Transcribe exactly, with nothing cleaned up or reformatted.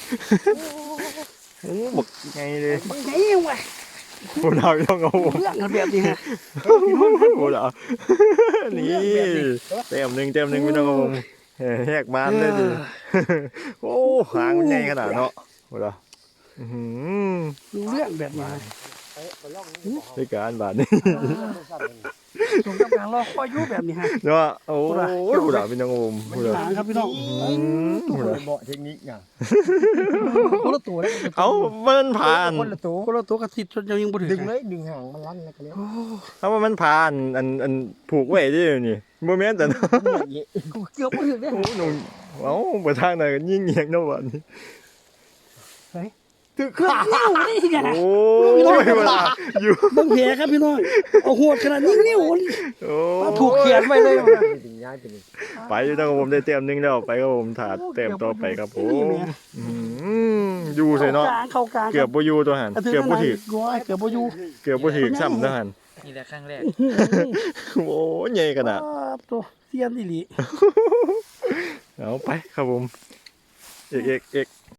โอ้บอกไงเลยบางไงวะโบดาวต้องเอาผมเรื่องกันแบบนี้ฮะโบดาวนี่เต็มหนึ่งเต็มหนึ่งไม่ต้องเอาผมแหกมันเลยดิโอ้หางมันใหญ่ขนาดเนาะโบดาวอืมรู้เรื่องแบบนี้ในการบาดนี่ตรงกับการรอคอยอยู่แบบนี้ฮะเนาะโอ้ยผู้ด่าเป็นยังงมผู้ด่าหางครับพี่น้องผู้ด่าเบาะเทคนิคไงคนละตัวเลยเอามันผ่านคนละตัวคนละตัวกระติดจนยังบ่ถึงดึงเลยดึงหางมันลั่นแล้วก็เลยเอาว่ามันผ่านอันอันผูกไว้ดินี่โมเมนต์แต่กูเกือบบ่ถึงเลยโอ้หนุ่มเอ้าไปทางไหนกันยิ่งเงียงเนาะวันนี้เกือบนิ้วนี่ไงโอ้ยเวลาอยู่บางแผลครับพี่น้องเอาหัวขนาดนี้นิ้วโอ้ถูกเขียนไว้เลยดึงย้ายไปนี่ไปอยู่ตั้งผมได้เต็มหนึงแล้วไปครับผมถาดเต็มต่อไปครับผมอืมอยู่ใส่เนาะกลางเข้ากลางเกือบบ่อยู่ตัวหันเกือบบ่ถึกก้อยเกือบบ่อยู่เกือบบ่ถึกซ้ำตัวหันนี่แหละครั้งแรกโอ้ยใหญ่ขนาดตัวเซียนอีหลีเอาไปครับผมเอกเอกเอก